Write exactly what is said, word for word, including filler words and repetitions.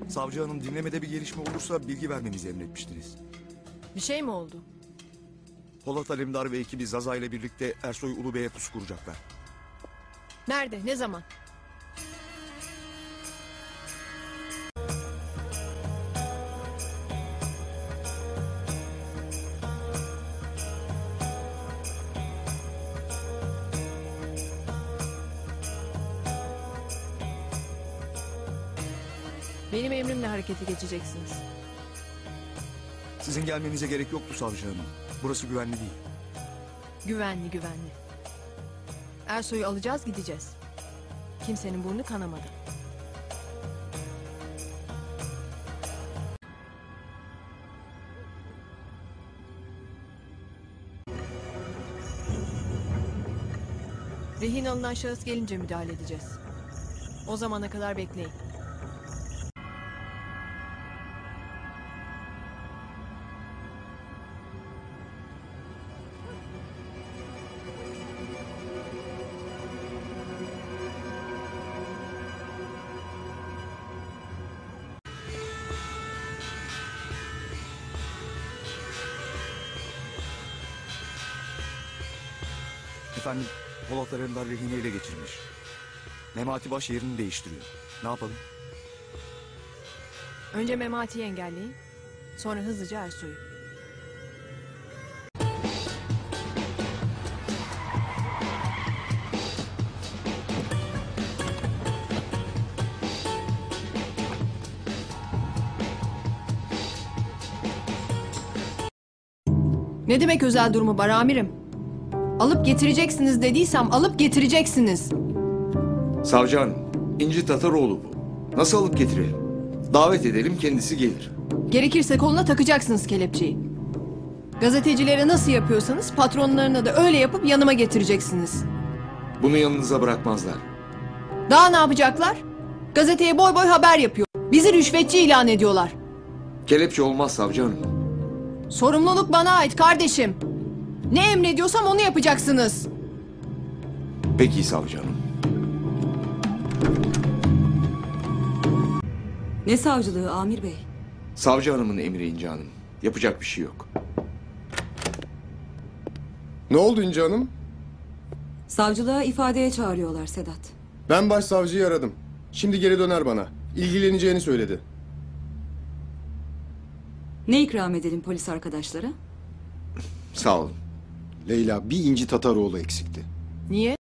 Savcı hanım dinlemede bir gelişme olursa bilgi vermemizi emretmiştiniz. Bir şey mi oldu? Polat Alemdar ve ekibi Zaza ile birlikte Ersoy Ulubey'e pusu kuracaklar. Nerede? Ne zaman? Benim emrimle harekete geçeceksiniz. Sizin gelmenize gerek yoktu savcı hanım. Burası güvenli değil. Güvenli güvenli. Ersoy'u alacağız gideceğiz. Kimsenin burnu kanamadı. Rehin alınan şahıs gelince müdahale edeceğiz. O zamana kadar bekleyin. Efendim, Polat Alemdar rehini ele geçirmiş. Memati Baş yerini değiştiriyor. Ne yapalım? Önce Memati'yi engelleyin. Sonra hızlıca Ersoy'u. Ne demek özel durumu var amirim? Alıp getireceksiniz dediysem alıp getireceksiniz. Savcı hanım, İnci Tataroğlu bu. Nasıl alıp getirelim? Davet edelim, kendisi gelir. Gerekirse koluna takacaksınız kelepçeyi. Gazetecilere nasıl yapıyorsanız patronlarına da öyle yapıp yanıma getireceksiniz. Bunu yanınıza bırakmazlar. Daha ne yapacaklar? Gazeteye boy boy haber yapıyor. Bizi rüşvetçi ilan ediyorlar. Kelepçe olmaz savcı hanım. Sorumluluk bana ait kardeşim. Ne emrediyorsam onu yapacaksınız. Peki savcı hanım. Ne savcılığı Amir Bey? Savcı hanımın emri İnci hanım. Yapacak bir şey yok. Ne oldu İnci Hanım? Savcılığa ifadeye çağırıyorlar Sedat. Ben başsavcıyı aradım. Şimdi geri döner bana. İlgileneceğini söyledi. Ne ikram edelim polis arkadaşlara? Sağ olun. Leyla, bir İnci Tataroğlu eksikti. Niye?